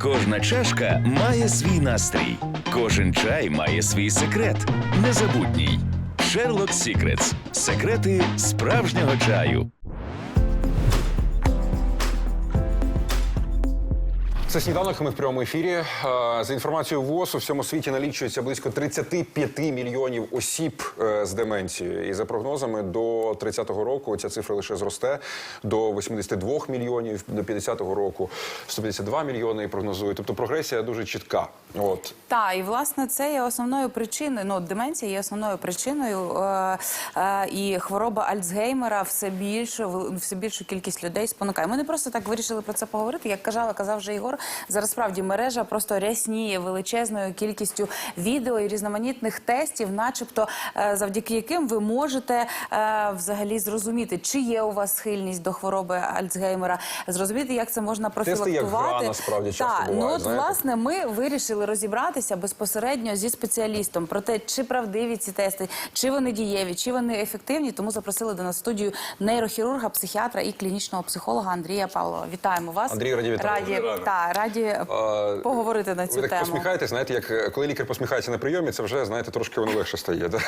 Кожна чашка має свій настрій. Кожен чай має свій секрет. Незабутній. Sherlock Secrets. Секрети справжнього чаю. Це «Сніданок», ми в прямому ефірі. За інформацією ВОЗ, у всьому світі налічується близько 35 мільйонів осіб з деменцією. І за прогнозами, до 30-го року ця цифра лише зросте до 82 мільйонів, до 50-го року 152 мільйони прогнозують. Тобто прогресія дуже чітка. От. Так, і власне це є основною причиною, ну, деменція є основною причиною, і хвороба Альцгеймера все більшу кількість людей спонукає. Ми не просто так вирішили про це поговорити, як казав вже Ігор. Зараз справді мережа просто рясніє величезною кількістю відео і різноманітних тестів, начебто завдяки яким ви можете взагалі зрозуміти, чи є у вас схильність до хвороби Альцгеймера, зрозуміти, як це можна профілактувати. Тести як гра, насправді, часто бувають, ну от, знаєте? власне, ми вирішили розібратися безпосередньо зі спеціалістом про те, чи правдиві ці тести, чи вони дієві, чи вони ефективні. Тому запросили до нас в студію нейрохірурга, психіатра і клінічного психолога Андрія Павлова. Вітаємо вас. Андрій, раді вітати. Раді поговорити на цю тему. Ви так тему. посміхаєтесь, знаєте, як коли лікар посміхається на прийомі, це вже, знаєте, трошки воно легше стає. Да?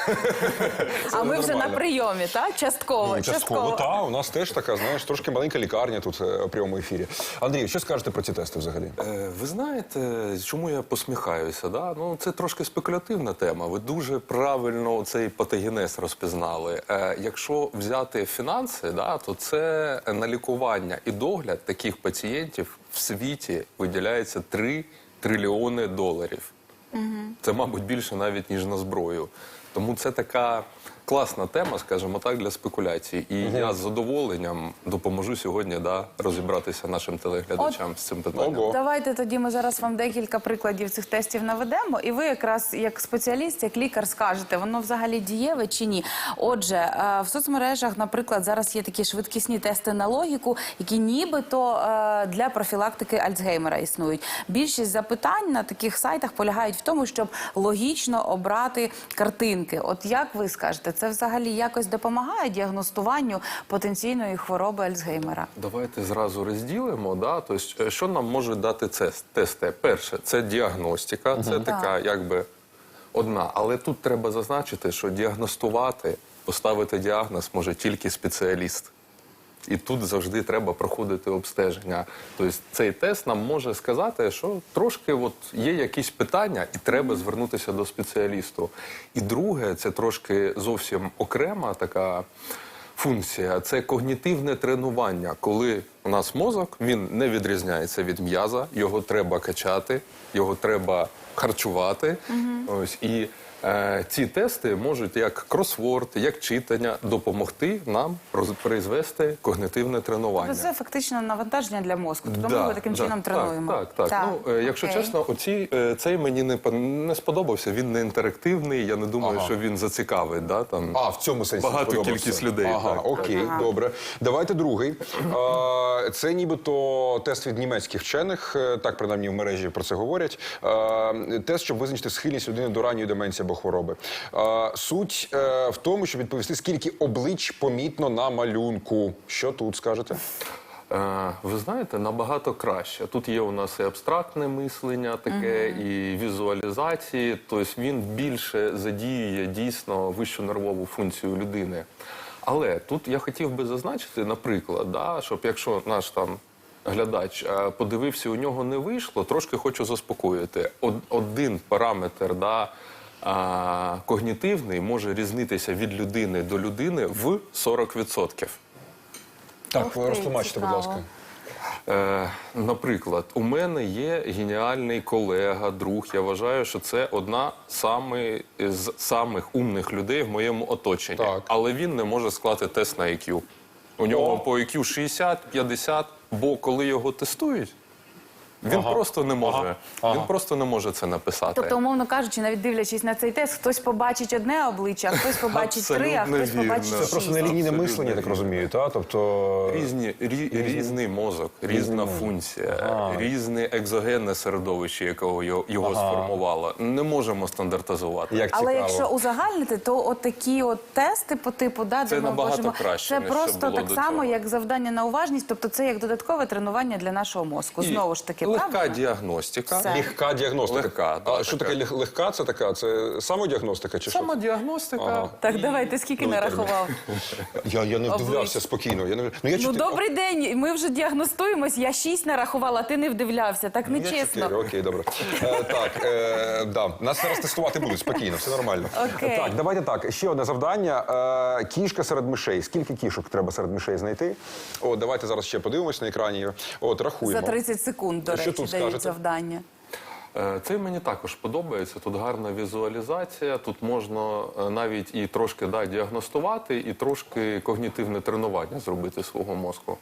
А ми вже на прийомі, так? Частково. Частково, так. У нас теж така, знаєш, трошки маленька лікарня тут у прямому ефірі. Андрій, що скажете про ці тести взагалі? Ви знаєте, чому я посміхаюся? Да? Ну, це трошки спекулятивна тема. Ви дуже правильно цей патогенез розпізнали. Якщо взяти фінанси, да, то це на лікування і догляд таких пацієнтів в світі виділяється 3 трильйони доларів. Це, мабуть, більше навіть, ніж на зброю. Тому це така класна тема, скажімо так, для спекуляцій. І я з задоволенням допоможу сьогодні розібратися нашим телеглядачам з цим питанням. Давайте тоді ми зараз вам декілька прикладів цих тестів наведемо, і ви якраз як спеціаліст, як лікар скажете, воно взагалі дієве чи ні. Отже, в соцмережах, наприклад, зараз є такі швидкісні тести на логіку, які нібито для профілактики Альцгеймера існують. Більшість запитань на таких сайтах полягають в тому, щоб логічно обрати картинки. От як ви скажете, це взагалі якось допомагає діагностуванню потенційної хвороби Альцгеймера? Давайте зразу розділимо. Да? Тобто, що нам можуть дати тести? Перше, це діагностика, це така якби одна. Але тут треба зазначити, що діагностувати, поставити діагноз може тільки спеціаліст. І тут завжди треба проходити обстеження. Тобто цей тест нам може сказати, що трошки от є якісь питання і треба звернутися до спеціалісту. І друге, це трошки зовсім окрема така функція, це когнітивне тренування. Коли у нас мозок, він не відрізняється від м'яза, його треба качати, його треба харчувати. Ось, і ці тести можуть як кросворд, як читання допомогти нам призвести когнитивне тренування. Це фактично навантаження для мозку, тому ми його таким чином тренуємо. Так. Ну, якщо чесно, цей мені не сподобався, він не інтерактивний, я не думаю, що він зацікавить. Да, там, в цьому сенсі багато кількість людей. Окей, добре. Давайте другий. Це нібито тест від німецьких вчених, так принаймні в мережі про це говорять. Тест, щоб визначити схильність людини до ранньої деменції або хвороби. Суть в тому, щоб відповісти, скільки облич помітно на малюнку. Що тут скажете? Ви знаєте, набагато краще. Тут є у нас і абстрактне мислення таке, і візуалізації. Тобто він більше задіює дійсно вищу нервову функцію людини. Але тут я хотів би зазначити, наприклад, да, щоб якщо наш там глядач подивився, у нього не вийшло, трошки хочу заспокоїти. Один параметр, да, когнітивний може різнитися від людини до людини в 40%. Так, розтлумачте, будь ласка. Наприклад, у мене є геніальний колега, друг. Я вважаю, що це одна з самих умних людей в моєму оточенні. Так. Але він не може склати тест на IQ. У нього по IQ 60-50, бо коли його тестують, він просто не може. Він просто не може це написати. Тобто, умовно кажучи, навіть дивлячись на цей тест, хтось побачить одне обличчя, а хтось побачить 3, а хтось побачить 6. Це просто нелінійне мислення, я так розумію, так? Тобто... Різний мозок, різна функція, різне екзогенне середовище, якого його сформувало. Не можемо стандартизувати. Як цікаво. Але якщо узагальнити, то от такі от тести по типу, да, це де ми набагато можемо... краще, це ніж просто було так до само, цього. як завдання на уважність, тобто це як додаткове тренування для нашого мозку. Знову ж таки, легка правильно? діагностика. Все. Легка діагностика. Легка, да, А що така. таке легка? Це така? Це самодіагностика чи що? Самодіагностика. Ага. Так, давай, ти скільки нарахував? Я не вдивлявся Обличчя. спокійно. Я не... я Ну, чотири- добрий день, ми вже діагностуємось, я 6 нарахувала, а ти не вдивлявся, так Я нечесно. 4, окей, добре. Да. Нас зараз тестувати будуть спокійно, все нормально. Окей. Так, давайте так. Ще одне завдання. Кішка серед мишей. Скільки кішок треба серед мишей знайти? О, давайте зараз ще подивимось на екрані. От, рахуємо. За 30 секунд, до Що речі, тут дають скажете? завдання. Це мені також подобається. Тут гарна візуалізація, тут можна навіть і трошки діагностувати, і трошки когнітивне тренування зробити свого мозку.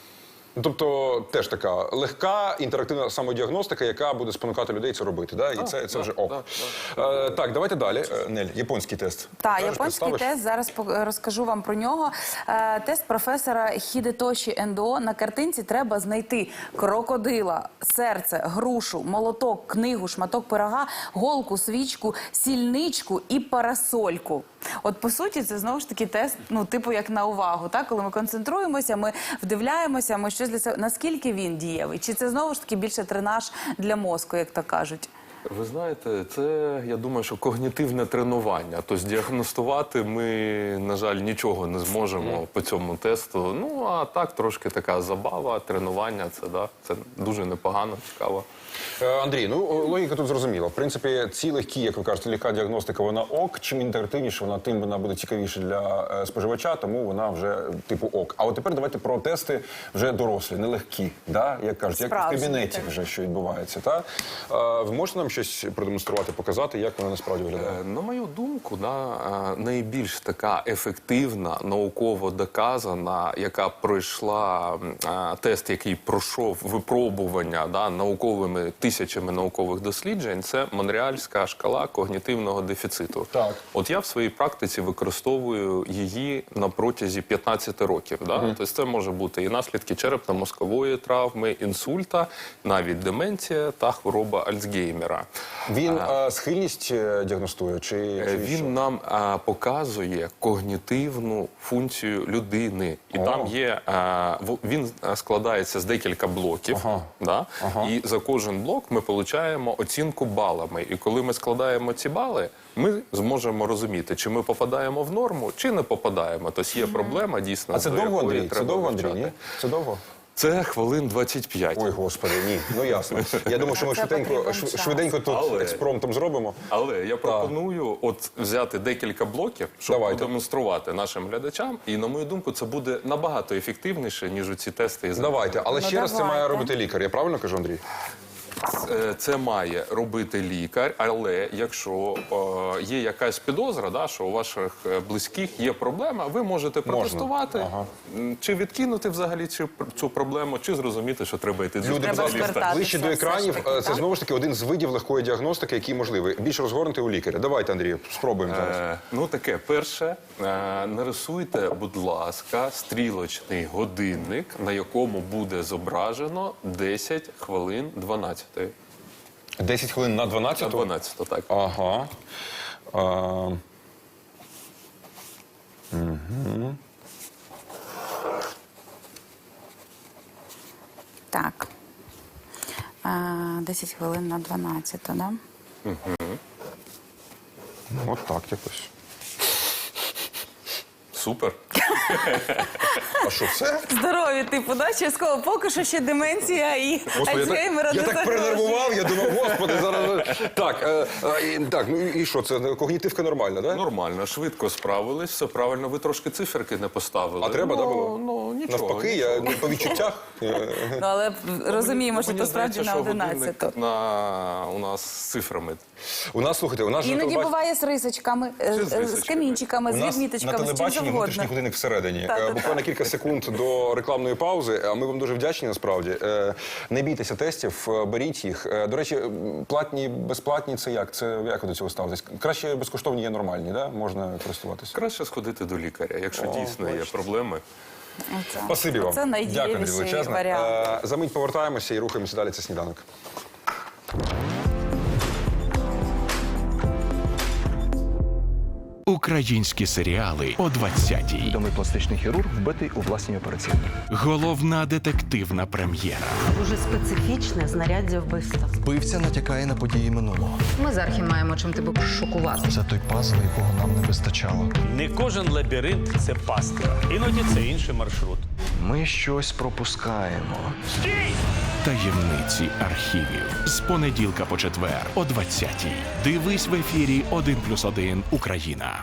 Тобто теж така легка інтерактивна самодіагностика, яка буде спонукати людей це робити. Да? І це вже ок. Так, давайте далі. Нель, японський тест. Так, Кажеш, японський представиш? тест, зараз розкажу вам про нього. Тест професора Хідетоші Ендо. На картинці треба знайти крокодила, серце, грушу, молоток, книгу, шматок пирога, голку, свічку, сільничку і парасольку. От, по суті, це знову ж таки тест, ну, типу, як на увагу, так? Коли ми концентруємося, ми вдивляємося, ми щось для себе... Наскільки він дієвий? Чи це знову ж таки більше тренаж для мозку, як то кажуть? Ви знаєте, це, я думаю, що когнітивне тренування. Тобто діагностувати ми, на жаль, нічого не зможемо по цьому тесту. Ну, а так, трошки така забава, тренування, це дуже непогано, цікаво. Андрій, ну логіка тут зрозуміла. В принципі, ці легкі, як ви кажете, легка діагностика, вона ок. Чим інтерактивніше вона, тим вона буде цікавіше для споживача, тому вона вже типу ок. А от тепер давайте про тести вже дорослі, нелегкі, да? Як кажуть, як в Справжні, кабінеті так. вже що відбувається. Та? Ви можете нам щось продемонструвати, показати, як вона насправді виглядає? На мою думку, найбільш така ефективна, науково доказана, яка пройшла тест, який пройшов випробування науковими тисячами наукових досліджень, це Монреальська шкала когнітивного дефіциту. Так. От я в своїй практиці використовую її на протязі 15 років. Тобто це може бути і наслідки черепно-мозкової травми, інсульта, навіть деменція та хвороба Альцгеймера. Він схильність діагностує? Чи що? Він нам показує когнітивну функцію людини. І там є, він складається з декілька блоків. І за кожен блок ми отримуємо оцінку балами. І коли ми складаємо ці бали, ми зможемо розуміти, чи ми попадаємо в норму, чи не попадаємо. Тобто є проблема дійсно. А це до довго, якої Андрій? Це треба довго, Андрій? вивчати. Ні? Це довго? Це хвилин 25. Ой, господи, ні. Ну ясно. Я думаю, що ми Це потрібен час. швиденько тут Але- експромтом зробимо. Але я пропоную от взяти декілька блоків, щоб Давайте. продемонструвати нашим глядачам. І, на мою думку, це буде набагато ефективніше, ніж у ці тести. із Давайте, але Ну, ще раз це давайте. має робити лікар. Я правильно кажу, Андрій? Це має робити лікар, але якщо є якась підозра, що у ваших близьких є проблема, ви можете протестувати, чи відкинути взагалі цю проблему, чи зрозуміти, що треба йти до Люди, будь Треба ласка, звертатися ближче до все ж екранів. таки, Це так? знову ж таки один з видів легкої діагностики, який можливий. Більш розгорнутий у лікаря. Давайте, Андрій, спробуємо зараз. Ну, таке, перше, нарисуйте, будь ласка, стрілочний годинник, на якому буде зображено 10 хвилин 12. 10 хвилин на 12? 12, так. Ага. Так. 10 хвилин на 12, да? От так якось. Супер. А що, все? Здорові, типу, да? Частково. Поки що ще деменція і Альцгеймера я не так загрожує. перенервував, я думав, господи, зараз... Так, ну і що, це когнітивка нормальна, так? Нормально, швидко справились, все правильно. Ви трошки циферки не поставили. А треба, да, було? Ну, нічого. Навпаки, я по відчуттях. Ну, але розуміємо, що Мені то справді здається, на що 11. годинник у нас з цифрами. У нас, слухайте, у нас же Іноді телебач- буває з рисочками, Чи з з рисочками? камінчиками, У з нас на відміточками, з чим телебаченні внутрішній завгодно. годинник всередині. Так. Буквально кілька секунд до рекламної паузи. А ми вам дуже вдячні, насправді. Не бійтеся тестів, беріть їх. До речі, платні, безплатні – це як? Це як ви до цього ставитесь? Краще безкоштовні є нормальні, да? Можна користуватися. Краще сходити до лікаря, якщо дійсно є проблеми. Спасибі вам. Це Дякую, найдієвіший величезне. варіант. За мить повертаємося і рухаємося далі. Це сніданок. Українські серіали о 20-й. Відомий пластичний хірург вбитий у власній операційній. Головна детективна прем'єра. Дуже специфічне знаряддя вбивства. Вбивця натякає на події минулого. Ми з Архі маємо чим тебе шокувати. Це той пазл, якого нам не вистачало. Не кожен лабіринт – це пастка. Іноді це інший маршрут. Ми щось пропускаємо. Таємниці архівів. З понеділка по четвер о 20-й. Дивись в ефірі 1+1 Україна.